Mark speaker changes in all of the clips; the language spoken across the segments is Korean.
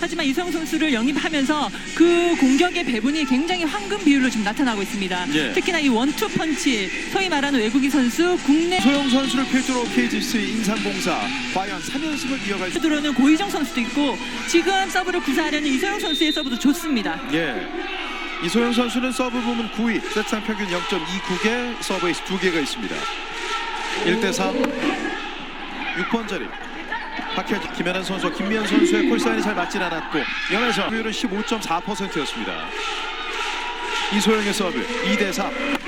Speaker 1: 하지만 이소영 선수를 영입하면서 그 공격의 배분이 굉장히 황금 비율로 지금 나타나고 있습니다.
Speaker 2: 예.
Speaker 1: 특히나 이 원투 펀치, 소위 말하는 외국인 선수, 국내
Speaker 2: 이소영 선수를 필두로 KGC 인삼공사 과연 3연승을 이어갈 수
Speaker 1: 들어오는 고희정 선수도 있고 지금 서브를 구사하려는 이소영 선수의 서브도 좋습니다.
Speaker 2: 예. 이소영 선수는 서브 부문 9위, 세트상 평균 0.29개, 서브에이스 2개가 있습니다. 1대3, 6번 자리. 박혜지, 김연아 선수와 김미연 선수의 콜사인이 잘 맞진 않았고 연에서 효율은 15.4%였습니다. 이소영의 서브 2대3.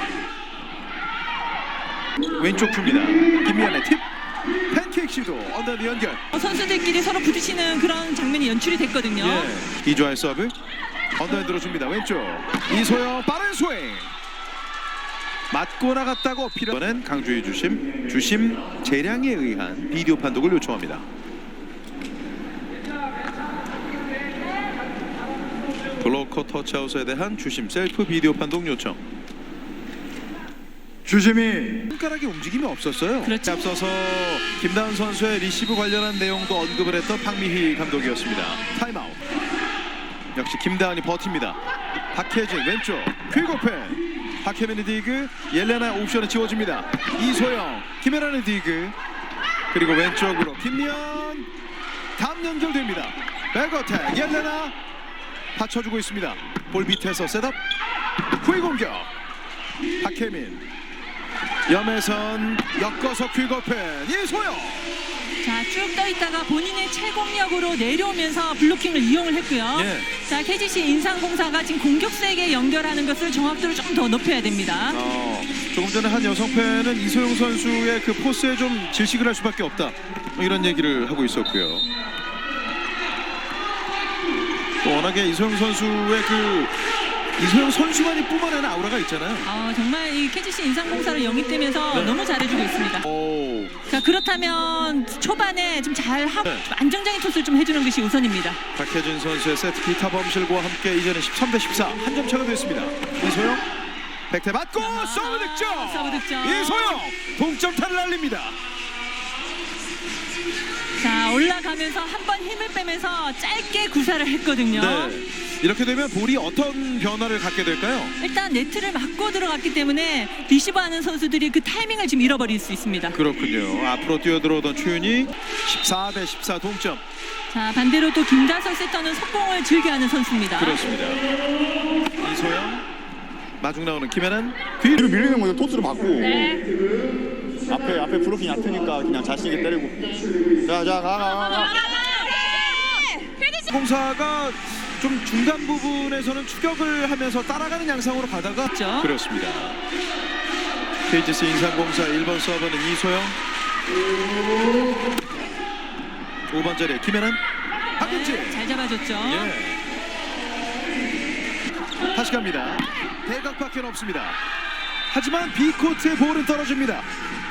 Speaker 2: 왼쪽 줍니다. 김미연의 팁. 팬케이크 시도 언더드 연결.
Speaker 1: 선수들끼리 서로 부딪히는 그런 장면이 연출이 됐거든요.
Speaker 2: 예. 이주아의 서브 언더핸드로 줍니다. 왼쪽 이소영 빠른 스윙 맞고 나갔다고 이번엔 강주희 주심 재량에 의한 비디오 판독을 요청합니다. 블로커 터치아웃에 대한 주심 셀프 비디오 판독 요청.
Speaker 3: 주심이
Speaker 2: 손가락의 움직임이 없었어요.
Speaker 1: 그렇죠.
Speaker 2: 앞서서 김다은 선수의 리시브 관련한 내용도 언급을 했던 박미희 감독이었습니다. 타임아웃. 역시 김다은이 버팁니다. 박혜진 왼쪽 퀵오펜. 박혜민의 디그, 옐레나 옵션에 지워집니다. 이소영, 김혜란의 디그, 그리고 왼쪽으로 김미연 감 연결됩니다. 백어택 옐레나 받쳐주고 있습니다. 볼 밑에서 셋업 후위 공격. 박혜민 염혜선 엮어서 퀵오펜 이소영.
Speaker 1: 자, 쭉 떠있다가 본인의 채공력으로 내려오면서 블로킹을 이용을 했고요.
Speaker 2: 예.
Speaker 1: 자, KGC 인삼공사가 지금 공격수에게 연결하는 것을 정확도를 좀 더 높여야 됩니다.
Speaker 2: 조금 전에 한 여성 팬은 이소영 선수의 그 포스에 좀 질식을 할 수밖에 없다, 뭐 이런 얘기를 하고 있었고요. 또 워낙에 이소영 선수의 이소영 선수만이 뿜어내는 아우라가 있잖아요.
Speaker 1: 정말 이 KGC 인삼공사를 영입되면서
Speaker 2: 네.
Speaker 1: 너무 잘해주고 있습니다.
Speaker 2: 오.
Speaker 1: 자, 그렇다면 초반에 좀 잘하고
Speaker 2: 네.
Speaker 1: 좀 안정적인 토스를 좀 해주는 것이 우선입니다.
Speaker 2: 박혜진 선수의 세트 기타 범실과 함께 이제는 13대14 한 점 차가 됐습니다. 이소영 백태 맞고 서브 득점.
Speaker 1: 서브 득점.
Speaker 2: 이소영 동점타를 날립니다.
Speaker 1: 자, 올라가면서 한 번 힘을 빼면서 짧게 구사를 했거든요.
Speaker 2: 네. 이렇게 되면 볼이 어떤 변화를 갖게 될까요?
Speaker 1: 일단 네트를 맞고 들어갔기 때문에 리시브하는 선수들이 그 타이밍을 지금 잃어버릴 수 있습니다.
Speaker 2: 그렇군요. 앞으로 뛰어들어오던 최윤이 14대14 동점.
Speaker 1: 자, 반대로 또 김다솔 세터는 속공을 즐겨하는 선수입니다.
Speaker 2: 그렇습니다. 이소영 마중 나오는 김혜란 뒤로
Speaker 3: 뒤로 밀리는 거죠. 토스로 받고 앞에 브로킹 얕으니까 그냥 자신 있게 때리고 가.
Speaker 2: 공사가 좀 중간 부분에서는 추격을 하면서 따라가는 양상으로 가다가
Speaker 1: 그렇죠.
Speaker 2: 그렇습니다. KGC 인삼공사 1번 서버는 이소영, 5번 자리에 김혜란, 박은지.
Speaker 1: 잘 잡아줬죠.
Speaker 2: 예. 다시 갑니다. 대각밖에 없습니다. 하지만 B코트의 볼은 떨어집니다.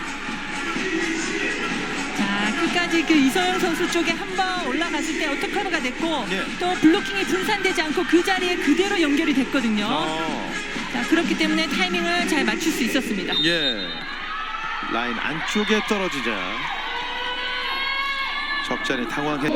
Speaker 1: 자, 끝까지 그 이소영 선수 쪽에 한번 올라갔을 때 어택커버가 됐고
Speaker 2: 예.
Speaker 1: 또 블로킹이 분산되지 않고 그 자리에 그대로 연결이 됐거든요. 자, 그렇기 때문에 타이밍을 잘 맞출 수 있었습니다.
Speaker 2: 예. 라인 안쪽에 떨어지자 적잖이 당황했.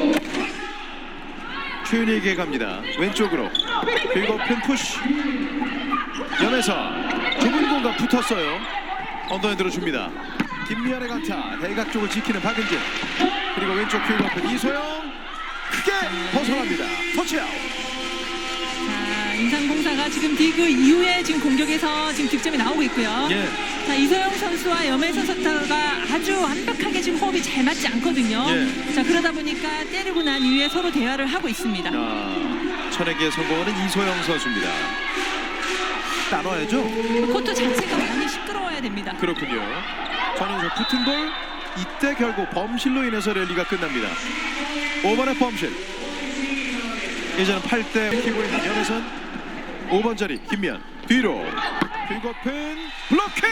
Speaker 2: 최윤희에게 갑니다. 왼쪽으로 그리고 핀 푸시. 염에서 좁은 공간 붙었어요. 언더핸드로 줍니다. 김미연의 강타, 대각 쪽을 지키는 박은진. 그리고 왼쪽 큐거픈 이소영 크게 벗어납니다. 터치아웃.
Speaker 1: 자, 인삼공사가 지금 디그 이후에 지금 공격에서 지금 득점이 나오고 있고요.
Speaker 2: 예.
Speaker 1: 자, 이소영 선수와 염혜선 선수가 아주 완벽하게 지금 호흡이 잘 맞지 않거든요.
Speaker 2: 예.
Speaker 1: 자, 그러다 보니까 때리고 난 이후에 서로 대화를 하고 있습니다.
Speaker 2: 천에게 성공하는 이소영 선수입니다. 나눠야죠.
Speaker 1: 코트 자체가 많이 시끄러워야 됩니다.
Speaker 2: 그렇군요. 전에서 붙은 볼 이때 결국 범실로 인해서 랠리가 끝납니다. 5번의 범실. 이제는 8대 키고 있는 연혜선. 5번 자리 김미연 뒤로 빅오픈 블로킹.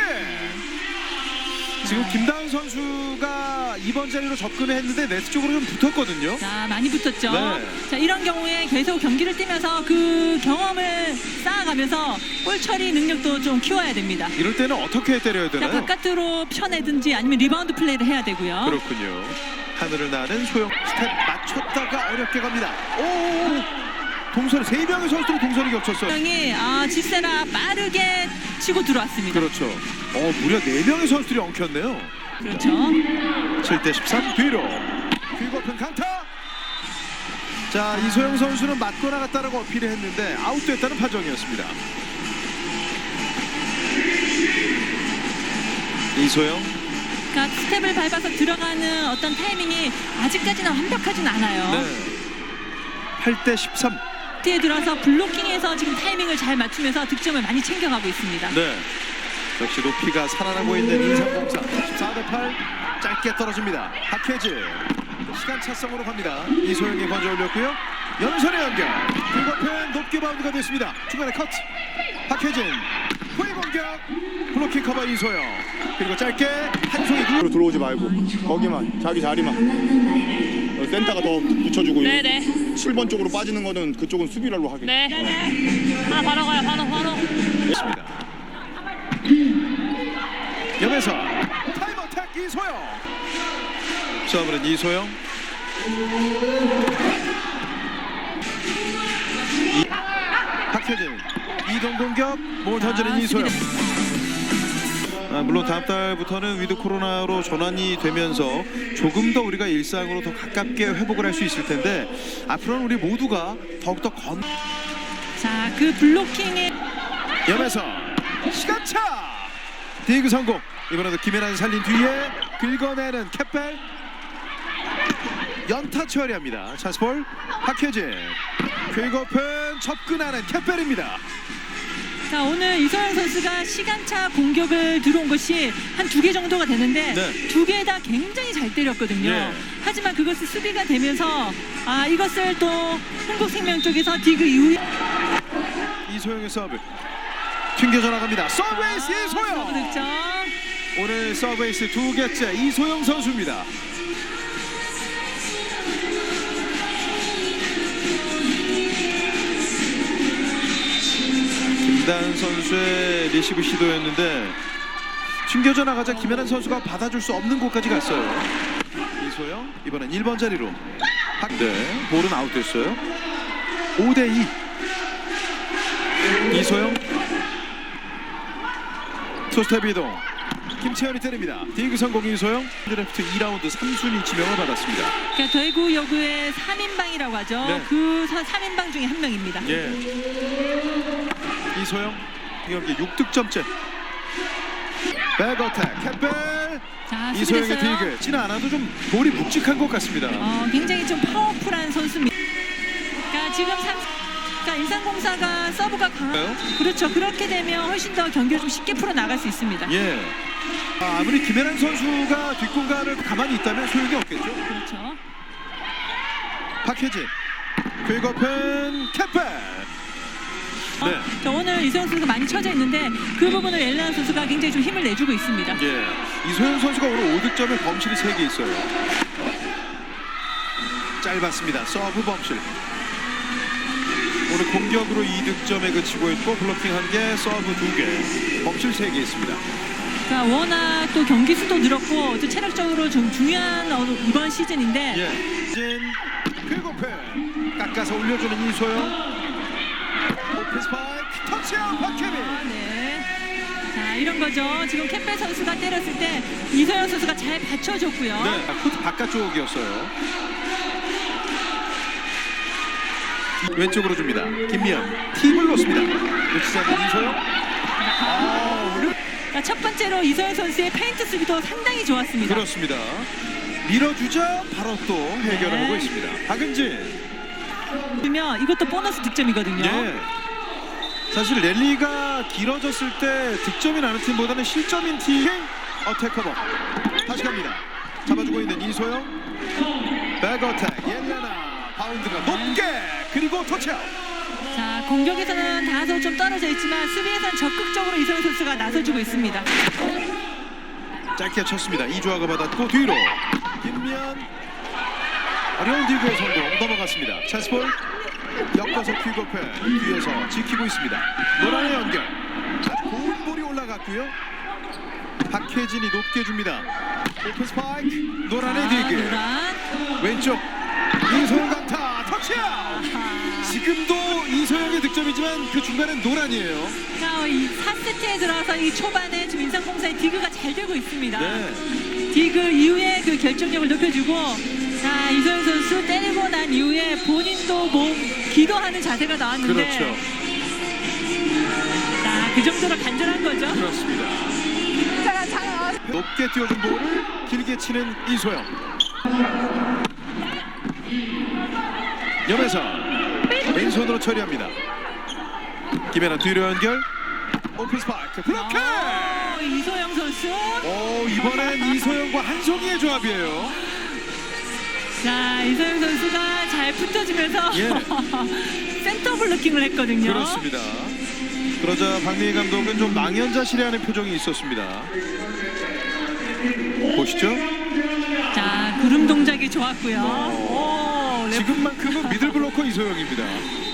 Speaker 2: 지금 김다은 선수가 2번 자리로 접근을 했는데 네트 쪽으로 좀 붙었거든요.
Speaker 1: 자, 많이 붙었죠.
Speaker 2: 네.
Speaker 1: 자, 이런 경우에 계속 경기를 뛰면서 그 경험을 쌓아가면서 볼 처리 능력도 좀 키워야 됩니다.
Speaker 2: 이럴 때는 어떻게 때려야
Speaker 1: 자,
Speaker 2: 되나요?
Speaker 1: 바깥으로 펴내든지 아니면 리바운드 플레이를 해야 되고요.
Speaker 2: 그렇군요. 하늘을 나는 소영 스텝 맞췄다가 어렵게 갑니다. 오, 동선 3명의 선수들이 동선이 겹쳤어요.
Speaker 1: 형이 지세라 빠르게 치고 들어왔습니다.
Speaker 2: 그렇죠. 무려 4명의 선수들이 엉켰네요.
Speaker 1: 그렇죠.
Speaker 2: 7대 13 뒤로 퀵오픈 강타. 자, 이소영 선수는 맞고 나갔다라고 어필을 했는데 아웃됐다는 판정이었습니다. 이소영.
Speaker 1: 그러니까 스텝을 밟아서 들어가는 어떤 타이밍이 아직까지는 완벽하진 않아요.
Speaker 2: 네. 8대 13.
Speaker 1: 뒤에 들어서 블로킹에서 지금 타이밍을 잘 맞추면서 득점을 많이 챙겨가고 있습니다.
Speaker 2: 네. 역시 높이가 살아나고 있는 인삼공사. 14대 8. 짧게 떨어집니다. 박혜진. 시간 차성으로 갑니다. 이소영이 먼저 올렸고요. 연선의 연결. 퀵오픈 높게 바운드가 됐습니다. 중간에 커트. 박혜진. 후위 공격. 블로킹 커버 이소영. 그리고 짧게 한 송이
Speaker 3: 으로 들어오지 말고 거기만 자기 자리만 센터가 더 붙여주고
Speaker 4: 네네.
Speaker 3: 7번 쪽으로 빠지는 거는 그쪽은 수비랄로 하게.
Speaker 4: 네. 하나 바로 가요. 바로.
Speaker 2: 있습니다. 염에서 타임어택 이소영. 서브는 이소영. 박혜진. 이동 공격. 몸을 던지는 이소영. 물론 다음 달부터는 위드 코로나로 전환이 되면서 조금 더 우리가 일상으로 더 가깝게 회복을 할 수 있을 텐데 앞으로는 우리 모두가 더욱더
Speaker 1: 자, 그 블로킹에
Speaker 2: 염에서 시간차 디그 성공. 이번에도 김연아는 살린 뒤에 긁어내는 캡벨 연타 처리합니다. 찬스볼 박혜진. 퀵오픈 접근하는 캡벨입니다.
Speaker 1: 자, 오늘 이소영 선수가 시간차 공격을 들어온 것이 한 2개 정도가 되는데
Speaker 2: 네.
Speaker 1: 2개 다 굉장히 잘 때렸거든요.
Speaker 2: 예.
Speaker 1: 하지만 그것이 수비가 되면서 이것을 또 흥국생명 쪽에서 디그 이후에
Speaker 2: 이소영의 서브 튕겨져 나갑니다. 서브에이스
Speaker 1: 서브
Speaker 2: 이소영.
Speaker 1: 득점.
Speaker 2: 오늘 서브에이스 2개째 이소영 선수입니다. 김다은 선수의 리시브 시도였는데 튕겨져 나가자 김연아 선수가 받아줄 수 없는 곳까지 갔어요. 이소영 이번엔 1번 자리로. 네, 볼은 아웃됐어요. 5대 2. 이소영 투스텝 이동. 김채연이 때립니다. 디그 성공 이소영. 드래프트 2라운드 3순위 지명을 받았습니다.
Speaker 1: 그러니까 대구 여구의 3인방이라고 하죠.
Speaker 2: 네.
Speaker 1: 그 3인방 중에 한 명입니다.
Speaker 2: 예. 이소영 이 경기 6득점째. 백어택 캡벨.
Speaker 1: 자,
Speaker 2: 이소영의
Speaker 1: 수비됐어요.
Speaker 2: 디그 치는 않아도 좀 볼이 묵직한 것 같습니다.
Speaker 1: 굉장히 좀 파워풀한 선수입니다. 그러니까 지금 그러니까 인삼공사가 서브가 강해요. 그렇죠. 그렇게 되면 훨씬 더 경기를 좀 쉽게 풀어 나갈 수 있습니다.
Speaker 2: 예. 아무리 김연아 선수가 뒷공간을 가만히 있다면 소용이 없겠죠.
Speaker 1: 그렇죠.
Speaker 2: 박혜진 퀵오픈 캡벨. 네.
Speaker 1: 자, 오늘 이소영 선수가 많이 쳐져 있는데 그 부분을 엘레나 선수가 굉장히 좀 힘을 내주고 있습니다.
Speaker 2: 예. 이소영 선수가 오늘 5득점에 범실이 3개 있어요. 짧았습니다. 서브 범실. 오늘 공격으로 2득점에 그치고 있고 블로킹 1개, 서브 2개, 범실 3개 있습니다.
Speaker 1: 그러니까 워낙 또 경기 수도 늘었고 또 체력적으로 좀 중요한 이번 시즌인데
Speaker 2: 예. 진 퀵오픈 깎아서 올려주는 이소영. 오픈 스파이크 터치아웃 박혜민.
Speaker 1: 네. 자, 이런 거죠. 지금 캠벨 선수가 때렸을 때 이소영 선수가 잘 받쳐줬고요.
Speaker 2: 네. 코트 바깥쪽이었어요. 왼쪽으로 줍니다. 김미연 팁을 놓습니다. 놓치지 않는 이소영.
Speaker 1: 그러니까 첫 번째로 이소영 선수의 페인트 수비도 상당히 좋았습니다.
Speaker 2: 그렇습니다. 밀어주자 바로 또 해결하고
Speaker 1: 네.
Speaker 2: 있습니다. 박은진.
Speaker 1: 그러면 이것도 보너스 득점이거든요.
Speaker 2: 예. 사실 랠리가 길어졌을 때 득점이 나는 팀보다는 실점인 팀. 어택 커버. 다시 갑니다. 잡아주고 있는 이소영. 백 어택. 옐레나. 바운드가 높게. 그리고 터치아웃.
Speaker 1: 자, 공격에서는 다소 좀 떨어져 있지만 수비에서는 적극적으로 이소영 선수가 나서주고 있습니다.
Speaker 2: 짧게 쳤습니다. 이주아가 받았고 뒤로 김미연 어려운 디그의 성공 넘어갔습니다. 찬스볼 엮어서 퀵오픈 뒤에서 지키고 있습니다. 노란의 연결 고운 볼이 올라갔고요. 박혜진이 높게 줍니다. 오픈 스파이크 노란의 디그
Speaker 1: 노란.
Speaker 2: 왼쪽 이소영 강타 터치아웃. 지금도 이소영의 득점이지만 그 중간엔 노란이에요.
Speaker 1: 자, 이 4세트에 들어서 이 초반에 지금 인상공사의 디그가 잘 되고 있습니다.
Speaker 2: 네.
Speaker 1: 디그 이후에 그 결정력을 높여주고, 자, 이소영 선수 때리고 난 이후에 본인도 기도하는 자세가 나왔는데,
Speaker 2: 그렇죠.
Speaker 1: 자, 그 정도로 간절한 거죠.
Speaker 2: 그렇습니다. 높게 띄워준 볼을 길게 치는 이소영. 염혜선 왼손으로 처리합니다. 김연아 뒤로 연결. 오픈 스파이크 블로킹.
Speaker 1: 이소영 선수.
Speaker 2: 이번엔 이소영과 한송이의 조합이에요.
Speaker 1: 자, 이소영 선수가 잘 붙어주면서
Speaker 2: 예.
Speaker 1: 센터 블로킹을 했거든요.
Speaker 2: 그렇습니다. 그러자 박미희 감독은 좀 망연자실해하는 표정이 있었습니다. 보시죠.
Speaker 1: 자, 구름 동작이 좋았고요. 오,
Speaker 2: 지금만큼은 미들 블로커 이소영입니다.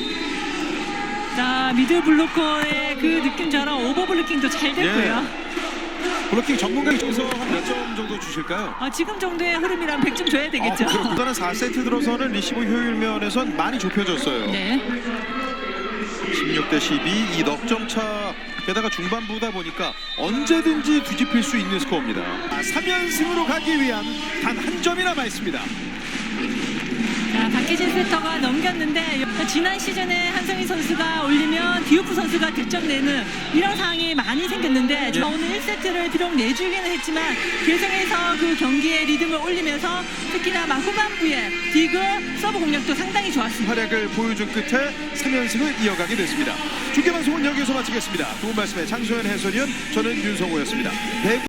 Speaker 1: 자, 미들 블로커의 그 느낌처럼 오버 블로킹도 잘 됐고요.
Speaker 2: 블로킹 전문가 입장에서 한 몇 점 정도 주실까요?
Speaker 1: 지금 정도의 흐름이랑 100점 줘야 되겠죠.
Speaker 2: 그렇구나. 4세트 들어서는 리시브 효율 면에선 많이 좁혀졌어요.
Speaker 1: 네.
Speaker 2: 16대 12, 이 넉점 차. 게다가 중반부다 보니까 언제든지 뒤집힐 수 있는 스코어입니다. 3연승으로 가기 위한 단 한 점이 남아 있습니다.
Speaker 1: 자, 박혜진 세터가 넘겼는데 지난 시즌에 한성희 선수가 올리면 디우프 선수가 득점 내는 이런 상황이 많이 생겼는데 오늘 1세트를 비록 내주기는 했지만 계속해서 그 경기의 리듬을 올리면서 특히나 막 후반부에 디그 서브 공략도 상당히 좋았습니다.
Speaker 2: 활약을 보여준 끝에 3연승을 이어가게 됐습니다. 중계방송은 여기서 마치겠습니다. 두 분 말씀에 장소연 해설위원, 저는 윤성호였습니다.